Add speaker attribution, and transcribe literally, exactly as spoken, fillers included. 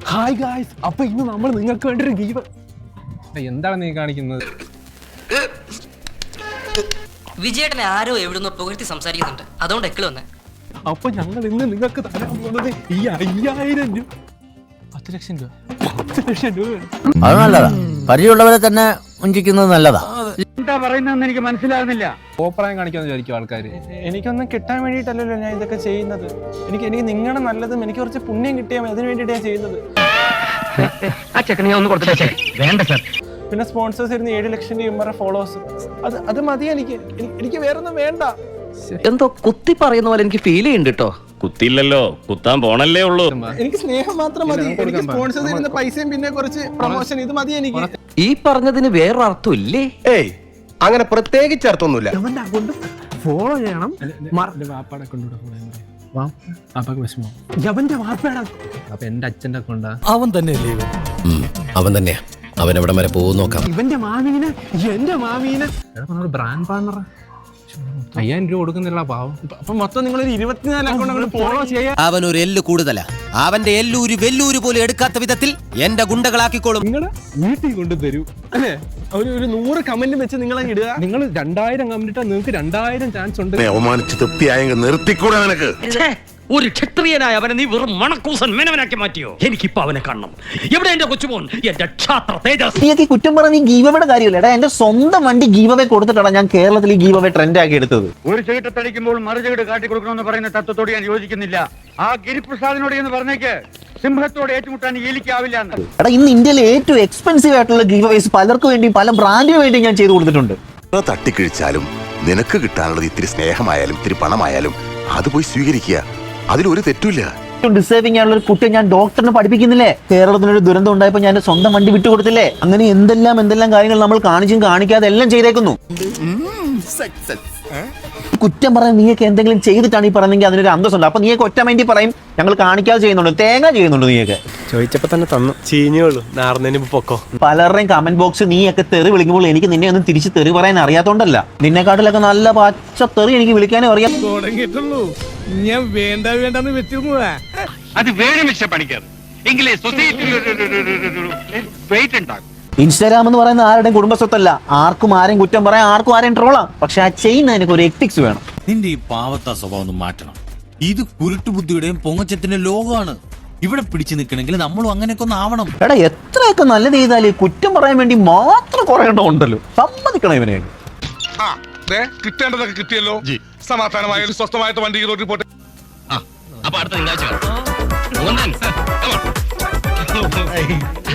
Speaker 1: Hi guys, അപ്പൊ ഇന്ന് നമ്മൾ നിങ്ങൾക്ക് വേണ്ടി ഒരു ഗീവ്. എന്താണ് നീ കാണിക്കുന്നത്?
Speaker 2: വിജയേട്ടനെ ആരോ എവിടുന്നോ പുകഴ്ത്തി സംസാരിക്കുന്നുണ്ട്, അതുകൊണ്ട് എക്കിള് വന്നേ.
Speaker 1: അപ്പൊ ഞങ്ങൾ ഇന്ന് നിങ്ങൾക്ക് തരാൻ പോകുന്നത് ഈ അയ്യായിരം രൂപ, പത്ത് ലക്ഷം രൂപ പത്ത് ലക്ഷം രൂപ.
Speaker 3: അത് നല്ലതാ, പരിചയമുള്ളവരെ തന്നെ വഞ്ചിക്കുന്നത് നല്ലതാ.
Speaker 4: എന്താ പറയുന്നതെന്ന് എനിക്ക് മനസ്സിലാകുന്നില്ല.
Speaker 1: ഓപ്പറായം കാണിക്കാന്ന് വിചാരിക്കും ആൾക്കാര്.
Speaker 5: എനിക്കൊന്നും കിട്ടാൻ വേണ്ടിയിട്ടല്ലല്ലോ ഞാൻ ഇതൊക്കെ ചെയ്യുന്നത്. എനിക്ക് എനിക്ക് നിങ്ങളുടെ നല്ലതും എനിക്ക് കുറച്ച് പുണ്യം കിട്ടിയാൽ മതി, അതിന് വേണ്ടിയിട്ടാണ് ഞാൻ ചെയ്യുന്നത്.
Speaker 4: ആ ചെക്കനെ ഒന്ന് കൊടുത്തിട്ടേ. വേണ്ട സാർ.
Speaker 5: പിന്നെ സ്പോൺസേഴ്സ് ഇരുന്ന് ഏഴ് ലക്ഷം രൂപ ഫോളോവേഴ്സ്, അത് അത് മതി എനിക്ക്. എനിക്ക് വേറൊന്നും വേണ്ട.
Speaker 6: എന്തോ കുത്തി പറയുന്ന പോലെ എനിക്ക് ഫീൽ ചെയ്യുന്നുണ്ട് കേട്ടോ.
Speaker 7: കുത്തിയില്ലല്ലോ, കുത്താൻ പോണല്ലേ ഉള്ളൂ.
Speaker 5: എനിക്ക് സ്നേഹം മാത്രം മതി. എനിക്ക് സ്പോൺസേഴ്സ് ഇരുന്ന പൈസയും പിന്നെ കുറച്ച് പ്രൊമോഷൻ, ഇത് മതി എനിക്ക്.
Speaker 6: ഈ പറഞ്ഞതിന് വേറൊരർത്ഥം ഇല്ലേ?
Speaker 8: ഏയ്, അങ്ങനെ പ്രത്യേകിച്ച് അർത്ഥമൊന്നുമില്ല.
Speaker 1: അവന്റെ അക്കൗണ്ട് ഫോളോ ചെയ്യണം. വാപ്പാടെ അക്കൗണ്ട് വാപ്പാക്ക് വിഷമോ? അവന്റെ വാപ്പയുടെ അപ്പൊ എന്റെ അച്ഛന്റെ അക്കൗണ്ടാ.
Speaker 3: അവൻ തന്നെയല്ലേ ഇവൻ? അവൻ തന്നെയാ. അവൻ എവിടെ വരെ പോകും നോക്കാം.
Speaker 1: ഇവന്റെ മാമീന് എന്റെ മാമീന് ബ്രാൻഡ് പാർട്ണർ അയ്യായിരം രൂപ കൊടുക്കുന്നില്ല പാവം.
Speaker 5: അപ്പൊ മൊത്തം നിങ്ങൾ ഒരു ഇരുപത്തിനാല് അക്കൗണ്ട് ഫോളോ ചെയ്യാൻ.
Speaker 3: അവൻ ഒരു എല്ല് കൂടുതലാ. അവന്റെ എല്ലൂര് വെല്ലൂര് പോലും എടുക്കാത്ത വിധത്തിൽ എന്റെ ഗുണ്ടകളാക്കിക്കോളും.
Speaker 1: നിങ്ങളുടെ വീട്ടിൽ കൊണ്ട് തരൂ
Speaker 5: അല്ലേ? ഒരു ഒരു നൂറ് കമന്റ് വെച്ച് നിങ്ങൾ ഇടുക.
Speaker 1: നിങ്ങൾ രണ്ടായിരം കമന്റ് ഇട്ടാൽ നിങ്ങൾക്ക് രണ്ടായിരം ചാൻസ് ഉണ്ട്.
Speaker 8: അവമാനിച്ച് തൃപ്തിയായെങ്കിൽ നിർത്തിക്കൂടെ നിനക്ക്?
Speaker 4: ഒരു ക്ഷത്രിയനായ അവനെ നീ വെറും മണക്കൂസൻ മേനവനാക്കി മാറ്റിയോ? എനിക്കിപ്പോ അവനെ കാണണം. എവിടെ എന്റെ കൊച്ചുമോൻ, എന്റെ ക്ഷാത്ര തേജസ്?
Speaker 9: നീ കുറ്റം പറഞ്ഞ ഗീവയുടെ കാര്യമില്ല. എന്റെ സ്വന്തം വണ്ടി ഗീവവേ കൊടുത്തിട്ടാണ് ഞാൻ കേരളത്തിൽ ഈ ഗീവവേ ട്രെൻഡ് ആക്കി എടുത്തത്.
Speaker 4: ഒരു ചീട്ടത്തടിക്കുമ്പോൾ മറു ചീട്ട് കാട്ടിക്കൊടുക്കണമെന്ന് പറയുന്ന തത്വത്തോട് ഞാൻ യോജിക്കുന്നില്ല. ആ ഗിരിപ്രസാദിനോട് എന്ന് പറഞ്ഞേക്ക് സിംഹത്തോട് ഏറ്റുമുട്ടാൻ ഏലിക്കാവില്ല.
Speaker 9: എടാ, ഇന്ന് ഇന്ത്യയിലെ ഏറ്റവും എക്സ്പെൻസീവ് ആയിട്ടുള്ള ഗീവവേസ് പലർക്കും വേണ്ടി പല ബ്രാൻഡിന് വേണ്ടി ഞാൻ ചെയ്തു കൊടുത്തിട്ടുണ്ട്.
Speaker 8: തട്ടിക്കിഴിച്ചാലും നിനക്ക് കിട്ടാനുള്ളത് ഇത്തിരി സ്നേഹമായാലും ഇത്തിരി പണമായാലും അത് പോയി സ്വീകരിക്കുക. അതിലൊരു തെറ്റില്ല.
Speaker 9: ഡിസേർവിംഗ് ആയുള്ള ഒരു കുട്ടിയെ ഞാൻ ഡോക്ടറിനെ പഠിപ്പിക്കുന്നില്ലേ? കേരളത്തിനൊരു ദുരന്തം ഉണ്ടായപ്പോൾ ഞാൻ സ്വന്തം വണ്ടി വിട്ടുകൊടുത്തില്ലേ? അങ്ങനെ എന്തെല്ലാം എന്തെല്ലാം കാര്യങ്ങൾ നമ്മൾ കാണിച്ചും കാണിക്കാതെ എല്ലാം ചെയ്തേക്കുന്നു. കുറ്റം പറയാൻ നീയൊക്കെ എന്തെങ്കിലും ചെയ്തിട്ടാണ് ഈ പറയുന്നെങ്കിൽ അതിനൊരു അന്തസ്സുണ്ട്. അപ്പൊ നീയൊക്കെ ഒറ്റ മൈൻഡി പറയും ഞങ്ങൾ കാണിക്കാതെ ചെയ്യുന്നുണ്ട്, തേങ്ങ ചെയ്യുന്നുണ്ട്. നീയൊക്കെ
Speaker 5: ചോദിച്ചപ്പോ തന്നെ തന്നു, ചീഞ്ഞുള്ളൂ. നാർന്നതിന് പൊക്കോ.
Speaker 9: പലരുടെയും കമന്റ് ബോക്സ് നീയൊക്കെ തെറി വിളിക്കുമ്പോൾ എനിക്ക് നിന്നെ ഒന്നും തിരിച്ച് തെറി പറയാൻ അറിയാത്തോണ്ടല്ല. നിന്നെക്കാട്ടിലൊക്കെ നല്ല പച്ച തെറി എനിക്ക് വിളിക്കാനും അറിയാം.
Speaker 5: തുടങ്ങിയിട്ടുള്ളൂ. ഞാൻ വേണ്ട വേണ്ടെന്ന് വെച്ചിരുന്നതാ.
Speaker 4: അത് വേറെ മിസ്റ്റർ പണിക്കർ, എങ്കിലേ സൊസൈറ്റിയിൽ വെയിറ്റ് ഉണ്ടാകും.
Speaker 9: ഇൻസ്റ്റാഗ്രാം എന്ന് പറയുന്ന ആരുടെയും കുടുംബസ്വത്തല്ല. ആർക്കും ആരെയും കുറ്റം പറയാം, ആർക്കും ആരെയും ട്രോളാം. പക്ഷെ ആ ചെയ്യുന്ന എനിക്ക് ഒരു എത്തിക്സ് വേണം.
Speaker 3: നിന്റെ ഈ പാവത്ത സ്വഭാവം ഒന്ന് മാറ്റണം. ഇത് കുരുട്ടുബുദ്ധിയുടെയും പൊങ്ങച്ചത്തിന്റെ ലോകമാണ്. ഇവിടെ പിടിച്ചു നിൽക്കണമെങ്കിൽ നമ്മളും അങ്ങനെയൊക്കെ ഒന്ന് ആവണം.
Speaker 9: എടാ, എത്രയൊക്കെ നല്ലത് ചെയ്താലേ കുറ്റം പറയാൻ വേണ്ടി മാത്രം കുറെ ഉണ്ടല്ലോ. സമ്മതിക്കണം ഇവനെ.
Speaker 8: കിട്ടേണ്ടതൊക്കെ കിട്ടിയല്ലോ. സമാധാനമായ സ്വസ്ഥമായിട്ട് വണ്ടി റോഡിൽ പോട്ടെ.
Speaker 7: അപ്പൊ അടുത്ത തിങ്കളാഴ്ച